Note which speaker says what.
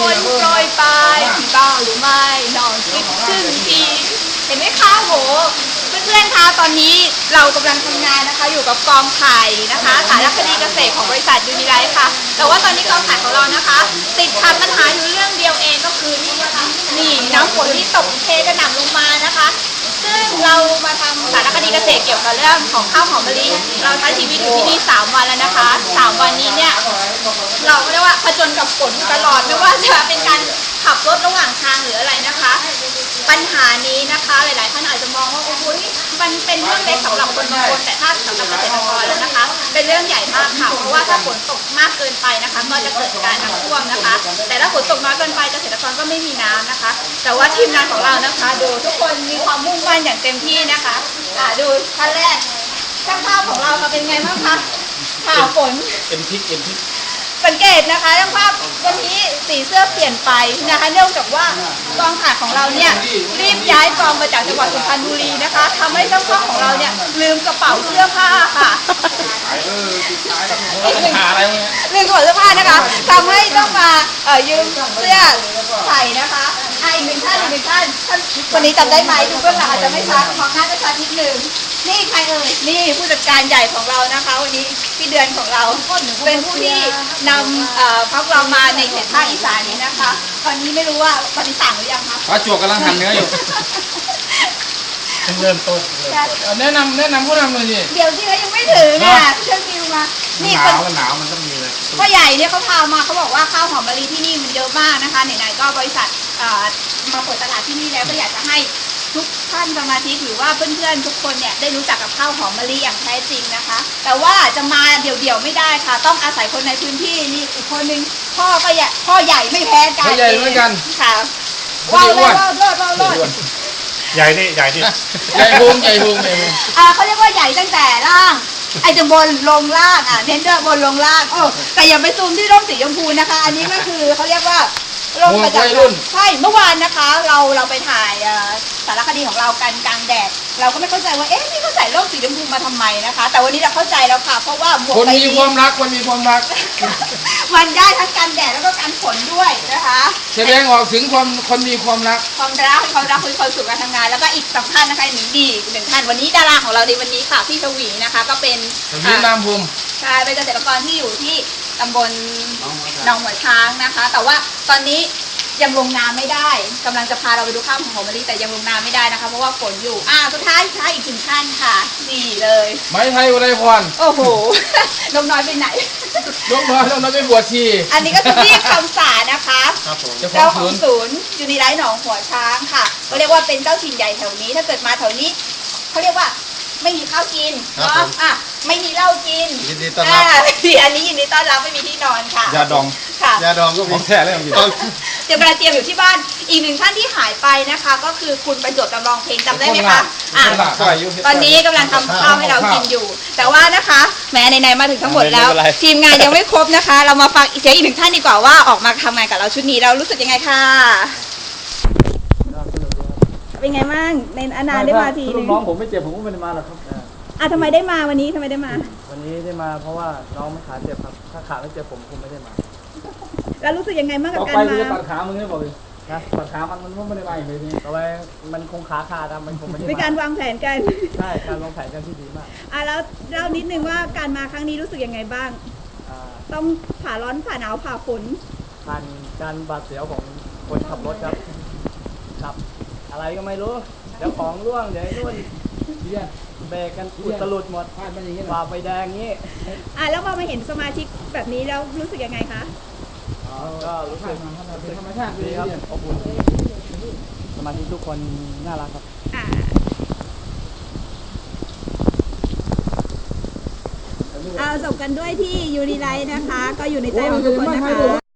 Speaker 1: นโปรยปลายที่บ้าหรือไม่นอนคิดถึงทีเห็นไหมคะโหเพื่อนๆคะตอนนี้เรากำลังทำงานนะคะอยู่กับกองถ่ายนะคะสารคดีเกษตรของบริษัทยูนิไลท์ค่ะแต่ว่าตอนนี้กองถ่ายของเรานะคะติดขัดปัญหาอยู่เรื่องเดียวเองก็คือนี่นะคะนี่น้ำฝนที่ตกเทกระหน่ำลงมานะคะซึ่งเรามาทำสารคดีเกษตรเกี่ยวกับเรื่องของข้าวหอมมะลิเราใช้ชีวิตอยู่ที่นี่3 วันแล้วนะคะ3 วันนี้เนี่ยเราเรียกว่าผจญกับฝนตลอดไม่ว่าจะเป็นการขับรถระหว่างทางหรืออะไรนะคะปัญหานี้นะคะหลายๆท่านอาจจะมองว่าโอ้โหนี่มันเป็นเรื่องเล็กสำหรับคนบางคนแต่ถ้าสำหรับเกษตรกรแล้วนะคะเป็นเรื่องใหญ่มากค่ะเพราะว่าถ้าฝนตกมากเกินไปนะคะก็จะเกิดการน้ำท่วมนะคะแต่ถ้าฝนตกน้อยเกินไปเกษตรกรก็ไม่มีน้ำนะคะแต่ว่าทีมงานของเรานะคะดูทุกคนมีความมุ่งมั่นอย่างเต็มที่นะคะดูท่านแรกช่างภาพของเราค่ะเป็นไงบ้างคะข่าวฝน
Speaker 2: เอ็มพิก
Speaker 1: สังเกตนะคะช่างภาพวันนี้สีเสื้อเปลี่ยนไปนะคะเนื่องจากว่ากองถ่ายของเราเนี่ยรีบย้ายกองมาจากจังหวัดสุพรรณบุรีนะคะทำให้ช่างภาพของเราเนี่ยลืมกระเป๋าเสื้อผ้าค่ะลืมกระเป๋าเสื้อผ้านะคะทำให้ต้องมายืมเสื้อใส่นะคะอีกหนึ่งท่านคนนี้จำได้ไหมดูเบื้องหลังอาจจะไม่ชัดมองหน้าจะชัดนิดนึงนี่ใครเอ่ยนี่ผู้จัดการใหญ่ของเรานะคะวันนี้พี่เดือนของเราเป็นผู้ที่นำพวกเรามาในเขตภาคอีสานนี้นะคะตอนนี้ไม่รู้ว่าตอนนี้สั่งหรือยังคะ
Speaker 2: ป้าจวกกำลังหั่นเนื้ออยู่เริ่มต้นแนะนำผู้นำเลยสิ
Speaker 1: เดี๋ยวที่เขายังไม่ถึงอ่ะเชิญฟิวมานี่
Speaker 2: หนาวมันต้องมีเลย
Speaker 1: พ่อใหญ่เนี่ยเขาพามาเขาบอกว่าข้าวหอมมะลิที่นี่มันเยอะมากนะคะไหนๆก็บริษัทมาเปิดตลาดที่นี่แล้วก็อยากจะให้ทุกท่านสมาชิกหรือว่าเพื่อนๆทุกคนเนี่ยได้รู้จักกับข้าวหอมมะลิอย่างแท้จริงนะคะแต่ว่าจะมาเดี่ยวๆไม่ได้ค่ะต้องอาศัยคนในพื้นที่นี่อีกคนนึงพ่อใหญ่ไม่แพ้กัน
Speaker 2: ใหญ่เหมือนกัน
Speaker 1: ค่ะว้าวรอด
Speaker 2: ใหญ่ดิใหญ่พุง
Speaker 1: เขาเรียกว่าใหญ่ตั้งแต่ล่างจากบนลงล่างเน้นด้วยบนลงล่างแต่อย่าไปซูมที่ร่มสีชมพูนะคะอันนี้ก็คือเขาเรียกว่าร่มประจำรุ่นใช่เมื่อวานนะคะเราไปถ่ายสารคดีของเรากันกลางแดดเราก็ไม่เข้าใจว่านี่เขาใส่ร่มสีชมพูมาทำไมนะคะแต่วันนี้เราเข้าใจแล้วค่ะเพราะว่า
Speaker 2: คนมีความรัก
Speaker 1: มันได้ทั้งกันแดดแล้วก็กันฝนด้วยนะคะ
Speaker 2: แสดงออกถึงคนมีความรัก
Speaker 1: คือความสุขการทำงานแล้วก็อีก2 ท่านนะคะหนึ่งท่านวันนี้ดาราของเราในวันนี้ค่ะพี่ชวีนะคะก็เป็น
Speaker 2: นามภูมิ
Speaker 1: ใช่เป็นเกษตรกรที่อยู่ที่ตำบลหนองหัวช้างนะคะแต่ว่าตอนนี้ยังลงน้ำไม่ได้กำลังจะพาเราไปดูข้าวหอมมะลิแต่ยังลงน้ำไม่ได้นะคะเพราะว่าฝนอยู่สุดท้ายอีก1 ท่านค่ะนี่เลย
Speaker 2: ไม้ไทยอุไรพร
Speaker 1: โอ้โหนมน้อยไปไหน
Speaker 2: นมน้อยไปบวชชี
Speaker 1: อันนี้ก็คือพี่คำสานะคะเจ้าของศูนย์ยูนิไลท์หนองหัวช้างค่ะก็เรียกว่าเป็นเจ้าถิ่นใหญ่แถวนี้ถ้าเกิดมาแถวนี้เขาเรียกว่าไม่มีข้าวกินเนาะไม่มีเหล้ากิน
Speaker 2: ยินดีต้อนรับ
Speaker 1: อันนี้ยินดีต้อนรับไม่มีที่นอนค่ะ
Speaker 2: ยาดอง
Speaker 1: ค่ะ
Speaker 2: ยาดองก็ของแท้เลยของ
Speaker 1: เตรียมอยู่ที่บ้านอีก1 ท่านที่หายไปนะคะก็คือคุณประจวบจำลองเพลงจำได้ไหมคะตอนนี้กำลังทำข้าวให้เรากินอยู่แต่ว่านะคะแม้ไหนๆมาถึงทั้งหมดแล้วทีมงานยังไม่ครบนะคะเรามาฟังอีก1 ท่านดีกว่าว่าออกมาทำงานกับเราชุดนี้เรารู้สึกยังไงค่ะเป็นไงบ้างในอนาได้มาทีนึง
Speaker 2: น้องผมไม่เจ็บผมก็ไม่ได้มาหรอกครับ
Speaker 1: ทำไมได้มาวันนี้ทำไมได้มา
Speaker 2: วันนี้ได้มาเพราะว่าน้องไม่ขาเจ็บครับถ้าขาไม่เจ็บผมคงไม่ได้มา
Speaker 1: แล้วรู้สึกยังไงบ้างกับการมา
Speaker 2: ตัดขามึงไม่บอกเลยนะตัดขามันไม่ได้มาอย่างนี้ต่อไปมันคงขาขาดมันคงไม่ได้
Speaker 1: เป็นการวางแผนกัน
Speaker 2: ใช่การวางแผนกันที่ดีมาก
Speaker 1: แล้วเล่านิดนึงว่าการมาครั้งนี้รู้สึกยังไงบ้างต้องผ่าร้อนผ่าหนาวผ่าฝน
Speaker 2: ผ่านการบาดเสียวของคนขับรถครับอะไรก็ไม่รู้เดี๋ยวของร่วงเดี๋ยวนู่นเบรกกันอุดตลุดหมดฝ่าไฟแดงงี้
Speaker 1: แล้วพอมาเห็นสมาชิกแบบนี้แล้วรู้สึกยังไงคะ
Speaker 2: ก็รู้สึกธรรมชาติดีครับอบอุ่นสมาชิกทุกคนน่ารักครับ
Speaker 1: จบกันด้วยที่ยูนิไลท์นะคะก็อยู่ในใจของทุกคนนะคะ